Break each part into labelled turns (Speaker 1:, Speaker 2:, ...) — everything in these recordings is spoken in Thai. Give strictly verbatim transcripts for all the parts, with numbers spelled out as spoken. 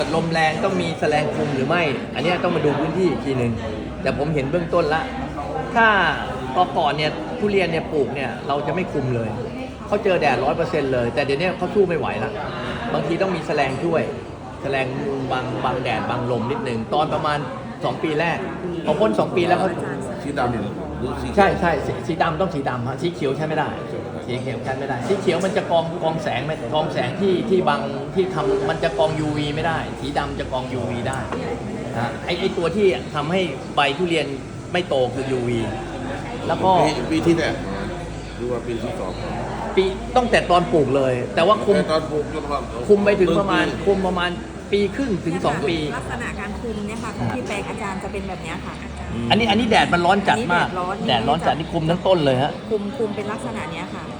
Speaker 1: ลมแรงต้องมีแสลงคุมหรือไม่ อันนี้ต้องมาดูพื้นที่อีกทีหนึ่งแต่ผมเห็นเบื้องต้นละถ้าตอนก่อนเนี่ยทุเรียนเนี่ยปลูกเนี่ยเราจะไม่คุมเลยเขาเจอแดดร้อยเปอร์เซ็นต์เลยแต่เดี๋ยวนี้เขาสู้ไม่ไหวละบางทีต้องมีแสลงช่วยแสลงบางบางแดดบางลมนิดหนึ่งตอนประมาณสองปีแรกพอพ้นสองปีแล้วเขา
Speaker 2: สีดำเนี่ยหรือสี
Speaker 1: ใช่ใช่สีสีดำต้องสีดำฮะสีเขียวใช้ไม่ได้สีเขียวใช้ไม่ได้สีเขียวมันจะกรองกรองแสงไม่กรองแสงที่ที่บางที่ทำมันจะกรอง ยู วี ไม่ได้สีดำจะกรอง ยู วี ได้นะไอไอตัวที่ทำให้ใบทุเรียนไม่โตคือ ยู วี แล้วก็
Speaker 2: ปีปีที่แรกนะหรือว่าปีที่สอง
Speaker 1: ปีต้องแต่ตอนปลูกเลย แต่ว่าคุม
Speaker 2: แต่ตอนปลูกจนว่า
Speaker 1: คุมไปถึงประมาณคุมประมาณปีครึ่งถึงสองปี
Speaker 3: ลักษณะการคุมเนี่ยค่ะของที่แปลงอาจารย์จะเป็นแบบเนี้ยค่ะ
Speaker 1: อันนี้อันนี้แดดมันร้อนจัดมาก
Speaker 3: อันนี้แดดร้อน
Speaker 1: แดดร้อนจัดนี่คุมทั้งต้นเลยฮะ
Speaker 3: คุมคุมเป็นลักษณะเนี้ยค่ะ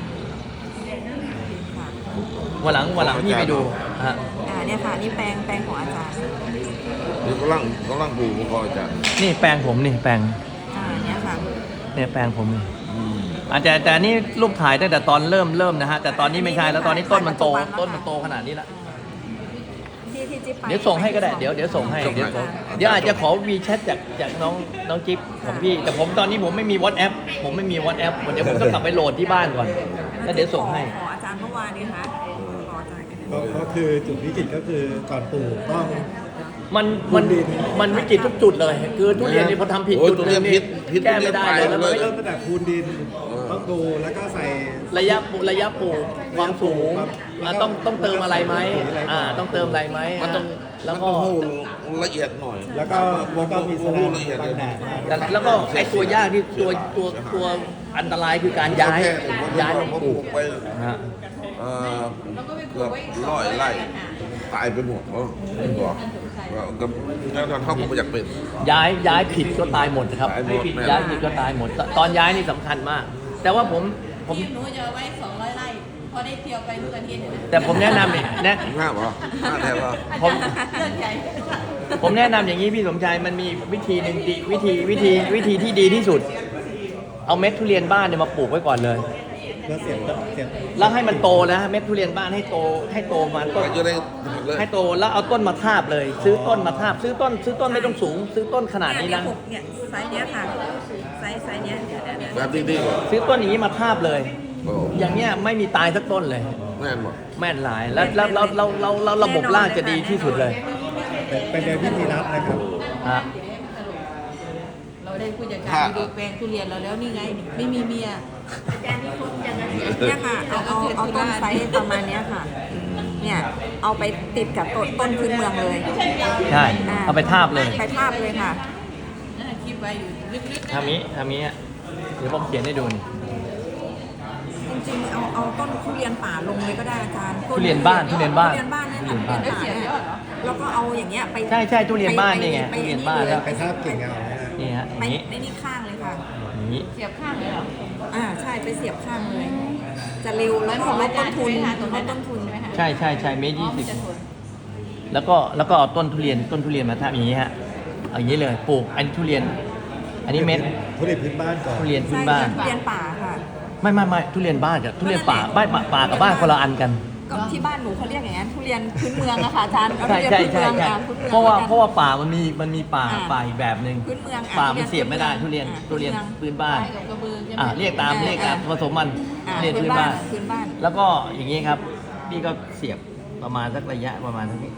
Speaker 3: ค่ะ
Speaker 1: วันหลังวันหลังพี่ไปดูฮะ
Speaker 3: อ่าเนี่ยค่ะนี่แปลงแปลงของอาจารย์
Speaker 2: นี่กำลังกำลังปลูกก็อาจารย์
Speaker 1: นี่แปลงผมนี่แปลง
Speaker 3: อ่าเนี่ยค่ะ
Speaker 1: เนี่ยแปลงผมนี่
Speaker 2: อืม
Speaker 1: อาจจะแต่นี่รูปถ่ายตั้งแต่ตอนเริ่มเริ่มนะฮะแต่ตอนนี้ไม่ใช่แล้วตอนนี้ต้นมันโตต้นมันโตขนาดนี้ละ
Speaker 3: ที่ที่จิ๊บไป
Speaker 1: เดี๋ยวส่งให้ก็ได้เดี๋ยวเดี๋ยวส่งให้เดี๋ยวส่งเดี๋ยวอาจจะขอวีแชทจากจากน้องน้องจิ๊บของพี่แต่ผมตอนนี้ผมไม่มี WhatsApp ผมไม่มี WhatsApp เดี๋ยวผมต้องกลับไปโหลดที่บ้านก่อนแล้วเดี๋ยวส่งให้
Speaker 3: ขออาจารย์เมื่อวานนี้ค่ะขออาจารย์กัน
Speaker 4: ก็ก็คือจุดวิกฤตก็คือก่อนปลูกต้อง
Speaker 1: มันมันมันวิกฤตทุกจุดเลย คือทุเรียนนี่พอทำผิด
Speaker 2: โอ้ย
Speaker 1: จุด
Speaker 2: ทุ
Speaker 1: ห
Speaker 2: เรี
Speaker 1: นึ
Speaker 2: ยน
Speaker 1: ง
Speaker 2: พิ
Speaker 1: นี่
Speaker 2: ษพิษ
Speaker 1: แก้ไม่ได้เลยแล้วมัน
Speaker 2: ทุ
Speaker 1: ไม่
Speaker 2: รี
Speaker 4: เริ่มตั้งแต่คูณดิน
Speaker 2: เออ
Speaker 4: ต้องดูแล้วก็ใส่
Speaker 1: ระยะปลูกระยะปลูกความสูงอ่ะต้องต้องเติมอะไรไหมอ่าต้องเติมอะไรไหม
Speaker 2: มันต้อง
Speaker 1: แล้ว
Speaker 2: มัน
Speaker 1: ก็
Speaker 2: ต้องหูละเอียดหน่อย
Speaker 4: แล้วก็แล้วก็มีแสดง
Speaker 2: ละเอียด
Speaker 4: บางแดด
Speaker 1: แต่แล้วก็ไอ้ตัวยากที่ตัวตัวตัวอันตรายคือการย้ายย้าย
Speaker 2: ผม
Speaker 1: ป
Speaker 2: ป
Speaker 1: ลู
Speaker 2: ลู
Speaker 1: ก
Speaker 2: กไป
Speaker 1: นะฮะ
Speaker 2: เอ่อเกือบร้อยไร่ตายไปหมดเนาะบอกว่ากับแล้วตอนเข้าผมไม่อยากเป็น
Speaker 1: ย้ายย้ายผิดก็ตายหมดนะครับ
Speaker 2: ตายหมดแน่
Speaker 1: ย้ายผิดก็ตายหมด ตอนย้ายนี่สำคัญมาก แต่ว่าผมผม
Speaker 5: ที่หนูจะเอาไว้สองร้อยไร่พอได้เที่ยวไปทุกอาทิตย์
Speaker 1: แต่ผมแนะนำเนี่ยแนะ
Speaker 2: ห้าเหรอห้าแทนเหรอ
Speaker 1: ผม
Speaker 5: เรื่องใหญ่
Speaker 1: ผมแนะนำอย่างนี้พี่สมชายมันมีวิธีหนึ่งดีวิธีวิธีวิธีที่ดีที่สุด เอาเม็ดทุเรียนบ้านเนี่ยมาปลูกไว้ก่อนเลย
Speaker 4: แล้วเสียบเสียบ
Speaker 1: แล้วให้มันโตนะเม็ดทุเรียนบ้านให้โตให้โตมาต้น
Speaker 2: จะได้เลย
Speaker 1: ให้โตแล้วเอาต้นมาทาบเลย ซื้อต้นมาทาบ ซื้อต้น ซื้อต้นไม่ต้องสูง ซื้อต้นขนาดนี้
Speaker 3: เนี่ย
Speaker 1: นะ
Speaker 3: หกเนี่ยไซส์เนี้ยค่ะไซส์ไซส์เนี้ยเดี๋ยวเดี๋ยวเดี๋ยว
Speaker 2: แบบดีๆก่อน
Speaker 1: ซื้อต้นอย่างนี้มาทาบเลย
Speaker 2: โอ้
Speaker 1: อย่างเนี้ยไม่มีตายสักต้นเลย
Speaker 2: แน่นหมด
Speaker 1: แม่นหลายแล้วแล้วแล้วแล้วแล้วแล้วระบบรากจะดีที่สุดเลย
Speaker 4: เป็นเป็นโดยวิธีรัดนะครับ
Speaker 1: ฮะ
Speaker 5: เราได้ผู้จัดการดูแปลงทุเรียนเราแล้วนี่ไง ไม่มีเมีย
Speaker 3: เนี่ยค่ะเอาเอาเอาต้นไซส์ประมาณเนี้ยค่ะ เนี่ยเอาไปติดกับต้นต้นพื้นเมืองเลย
Speaker 1: ใช่เอาไปทาบเลย
Speaker 3: ไปทาบเลยค่ะ
Speaker 5: คลิปไว้อยู่ลึกๆ
Speaker 1: ทำนี้ทำนี้อะเดี๋ยวผมเขียนให้ดูนี่
Speaker 3: จริงๆเอาเอาต้นทุเรียนป่าลงเลยก็ได้อาจารย์
Speaker 1: ทุเรียนบ้านทุเรียนบ้าน
Speaker 3: ทุเรียนบ้านเนี่ย
Speaker 1: ทุเรียนบ้าน
Speaker 3: ทุเรียนป่าเนี่ยแล้วก็เอาอย่างเงี้ยไป
Speaker 1: ใช่ใช่ทุเรียนบ้านนี่ไง
Speaker 3: ป
Speaker 1: ทุเรียนบ้านแล้ว
Speaker 4: ไปทาบกิ่งเอานะฮะ
Speaker 1: นี่ฮะอ
Speaker 3: ไป
Speaker 1: ย่างนี้
Speaker 3: ในนี่ข้างเลยค่ะ
Speaker 1: อย่างนี้
Speaker 5: เสียบข้างเลยเหรอ
Speaker 3: อ่าใช่ไปเสียบข้างเลย จะเร็วแล้วก็ลดต้นทุนลดต้นทุน
Speaker 5: ใช่ไหมคะ
Speaker 1: ใช่ใช่ใช่เมตร
Speaker 5: อ๋อ
Speaker 1: ยี่สิบ
Speaker 5: มันจะทน
Speaker 1: แล้วก็แล้วก็เอาต้นทุเรียนต้นทุเรียนมาทำอย่างนี้ฮะเอาอย่างนี้เลยปลูกอันนี้ทุเรียน อันนี้เม็ด
Speaker 4: ทุเรียนพื้นบ้านก่อน
Speaker 1: ทุเรียนพื้
Speaker 3: ใช่
Speaker 1: นบ้าน
Speaker 3: ทุเรียนป่าค่ะ
Speaker 1: ไม่ไม่ไม่ทุเรียนบ้านกับทุเรียนป่าบ้านป่าป่ากับบ้านคนละอันกัน
Speaker 3: ก็ที่บ้านหนูเขาเรียกอย่างนั้นทุเรียนพื้นเมืองอะค่ะอาจารย์เอา
Speaker 1: ใช่
Speaker 3: ทุเรียน
Speaker 1: ใช่
Speaker 3: พื้น
Speaker 1: ใช่
Speaker 3: เมือง
Speaker 1: ใช่
Speaker 3: อ่ะพื้นเมือง
Speaker 1: เพราะว่า
Speaker 3: หมือนกัน
Speaker 1: เพราะว่าป่ามันมีมันมีป่า
Speaker 3: อ่า
Speaker 1: ป่าอีกแบบหนึ่ง
Speaker 3: พื้นเมืองอ่ะ
Speaker 1: ป่า
Speaker 3: ทุ
Speaker 1: มัน
Speaker 3: เรียน
Speaker 1: เสียบไม่ได้
Speaker 3: พื้
Speaker 1: ทุ
Speaker 3: นเมื
Speaker 1: เรีย
Speaker 3: อน ง
Speaker 1: ทุเรียน
Speaker 3: อ่า
Speaker 1: พื้นบ้าน
Speaker 5: ไปกับกระบือใช่ไหม
Speaker 1: อ่าเรียกตาม
Speaker 3: อ่า
Speaker 1: เรียกตาม
Speaker 3: อ่า
Speaker 1: ผสมมัน
Speaker 3: อ่า
Speaker 1: เรียก
Speaker 3: พื้
Speaker 1: พื้
Speaker 3: น
Speaker 1: น
Speaker 3: บ้า
Speaker 1: บ้าน น
Speaker 3: พื้นบ้าน
Speaker 1: แล้วก็อย่างนี้ครับพี่ก็เสียบประมาณสักระยะประมาณเท่านี้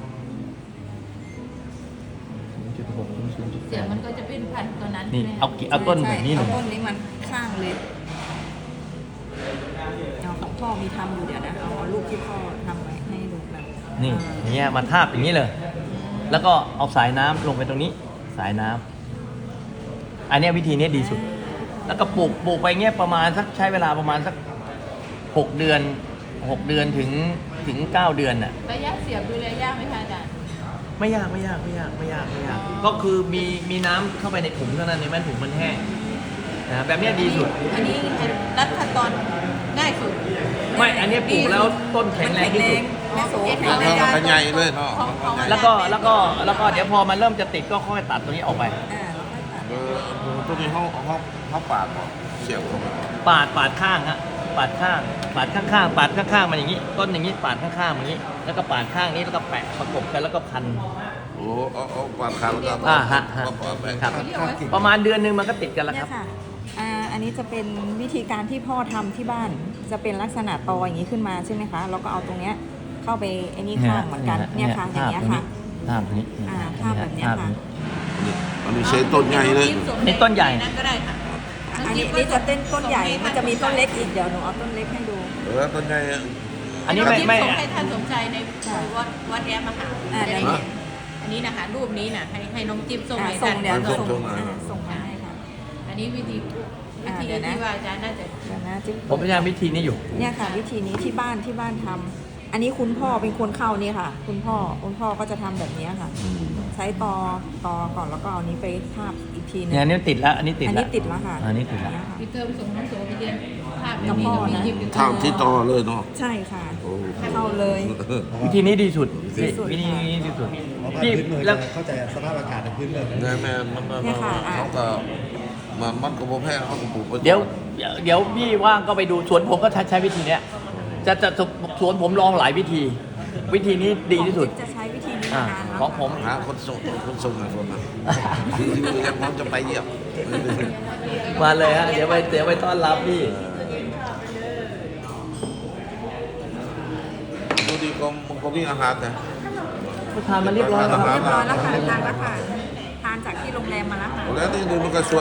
Speaker 1: จุดหกถึงศูนย์จุด
Speaker 5: เสี
Speaker 1: แป
Speaker 5: ยบ
Speaker 1: ด
Speaker 5: มันก็จะเป็นพันธุ์ตัวนั้น
Speaker 1: นี่
Speaker 5: ใช่ไหมคะ
Speaker 1: เอากี่เอาต้นแบบนี้เล
Speaker 3: เอา
Speaker 1: ย
Speaker 3: ต้นนี้มันข้างเลยเอาของพ่อมีทำอยู่เดี๋ยวนะเอารูปที่พ่อทำไว้ให้ดูแบบ
Speaker 1: นี่อย่างเงี้ยมาทาบอย่างนี้เลย แล้วก็เอาสายน้ำลงไปตรงนี้ สายน้ำอันเนี้ยวิธีนี้ดีสุด แล้วก็ปลูกปลูกไปเงี้ยประมาณสักใช้เวลาประมาณสักหกเดือนหกเดือนถึงถึงเก้าเดือนน่ะ
Speaker 5: ระยะเสียบดูแลยากไหมคะอาจารย์
Speaker 1: ไม่ยากไม่ยากไม่ยากไม่ยากไม่ยากก็คือมีมีน้ำเข้าไปในถุงเท่านั้นในแม่นถุงมันแห้งนะแบบเนี้ยดีสุด
Speaker 5: อันนี้รัดขั้นตอนง่ายสุด
Speaker 1: ไม่อันเนี้ยปลูกแล้วต้นแข็งแรงที่สุด
Speaker 3: แม่โส
Speaker 2: เอาเอาเอาใหญ่เลยเนาะ
Speaker 1: แล้วก็แล้วก็แล้วก็เดี๋ยวพอมันเริ่มจะติดก็ค่อยตัดตรงนี้ออกไป
Speaker 3: อ่า
Speaker 2: เออตัวนี้ห้องห้องห้องปากก่อนเสียบเข้าไป
Speaker 1: ปาดปาดข้างฮะปาดข้างปาดข้างๆปาดข้างๆมันอย่างนี้ต้นอย่างนี้ปาดข้างๆมันอย่างนี้ แล้วก็ปาดข้างนี้แล้วก็แปะประกบกันแล้วก็พัน
Speaker 2: โอ้เอาเอาปาดขาแล้วก็
Speaker 1: อ่าฮะฮะ
Speaker 2: มาปาดแบ่ง
Speaker 1: ครับ
Speaker 5: เขาเรียกว่า
Speaker 1: ประมาณเดือนหนึงมันก็ติดกันแล้ว
Speaker 3: เนี่
Speaker 1: ค
Speaker 3: ย
Speaker 1: รับ
Speaker 3: ค่ะอ่าอันนี้จะเป็นวิธีการที่พ่อทำที่บ้าน จะเป็นลักษณะตออย่างนี้ขึ้นมาใช่ไหมคะแล้วก็เอาตรงเนี้ยเข้าไปไอ้นี่ข้างเหมือนกันเนี่ยค่ะอย่างเงี้ยค่ะ
Speaker 1: ภาพนี้
Speaker 3: อ่าภาพแบบเนี้ยค่ะ
Speaker 2: อันนี้ใช้ต้นใหญ่เลย
Speaker 1: นี่ต้นใหญ่
Speaker 5: นั่นก็ได้ค่ะ
Speaker 3: อันนี้นี่จะเต้นต้นใหญ่ มันจะมีต้นเล็กอีก เดี๋ยวหนูเอาต้นเล็กให้ดู
Speaker 2: เออต้นใหญ่อะ
Speaker 1: อันนี้ไม่ไม่
Speaker 5: ส่งให้ท่านสมใจใน
Speaker 3: ค่ะ
Speaker 5: วัดวัดแอมมาหา
Speaker 3: อ่า
Speaker 5: จะได้
Speaker 3: เดี๋ยว
Speaker 5: เห็นอันนี้นะคะรูปนี้นะให้ให้น้องจิ๊บส่ง
Speaker 3: อ่า
Speaker 5: ให้
Speaker 3: ส่
Speaker 5: ท่าง น
Speaker 3: เดี๋ยว
Speaker 2: ส่ง
Speaker 3: ส่ง
Speaker 2: ส่งมา
Speaker 3: อ่าส่งมาให้ค่ะ
Speaker 5: อันนี้วิธีวิ
Speaker 3: อ่า
Speaker 5: ธี
Speaker 3: เดี๋ยวนะ
Speaker 5: ที่ว่าอาจารย์น่าจะ
Speaker 3: เดี๋ยวนะจิ๊บ
Speaker 1: ผมพยายามวิธีนี้อยู่
Speaker 3: เนี่ยค่ะ วิธีนี้ที่บ้านที่บ้านทำอันนี้คุณพ่อเป็นคนเข้านี่ค่ะ คุณพ่อคุณพ่อก็จะทำแบบนี้ค่ะ ใช้ตอตอก่อนแล้วก็เอานี้ไปทาบอีกทีหนึง
Speaker 1: เนี่ยอันนี้ติดแล้วอันนี้ติด
Speaker 3: อัน
Speaker 1: แล้ว
Speaker 3: นี้ติดแล้วค่ะ
Speaker 1: อันนี้ติดแล้ว
Speaker 3: เยค่ะ
Speaker 5: พี่เติมส่งน้องโสไปเรียนภาพ
Speaker 3: กับพ่อนะ
Speaker 5: จิ๊บ
Speaker 2: เท่าที่ต่อเลยเนาะ
Speaker 3: ใช่ค่ะ
Speaker 2: โอ้
Speaker 3: เข้าเลย
Speaker 1: วิธีนี้ดีสุด
Speaker 3: ดีสุด
Speaker 1: วิธีนี้ดีสุด
Speaker 4: เพราะว่า
Speaker 1: พี่
Speaker 4: พื้นเมือง
Speaker 1: แล้ว
Speaker 4: จะเข้าใจสภาพอากาศในพื้นเมือง
Speaker 2: แม่แม่มันมัน
Speaker 3: เนี่ยค่ะอ่ะ
Speaker 2: เขาก็มันมันก็บ่แพ้เขาก็ปลูกไป
Speaker 1: เดี๋ยวเดี๋ยวพี่ว่างก็ไปดูสวนผมก็ใช้ใช้วิธีเนี้ยจะจะสวนผมลองหลายวิธี วิธีนี้ดีที่สุด
Speaker 3: จะใช้วิธีนี้
Speaker 1: อ่า
Speaker 3: มานานแล้ว
Speaker 1: ของผม
Speaker 2: หาคนส่งคนส่งหาคนมายังพร้อมจะไปเยี่ยม
Speaker 1: มาเลยฮะเดี๋ยวไปเดี๋ยวไปต้อนรับพี่
Speaker 2: ดูดีก็มันก็มีอาหารแต่
Speaker 1: ทานมาเรียบร้อยแล้วครับ
Speaker 3: เรียบร้อยแล้วค่ะทานแล้วค่ะทานจากที่โรงแรมมาแล้วค่ะ
Speaker 2: แล้วนี่ดูมันก็สวย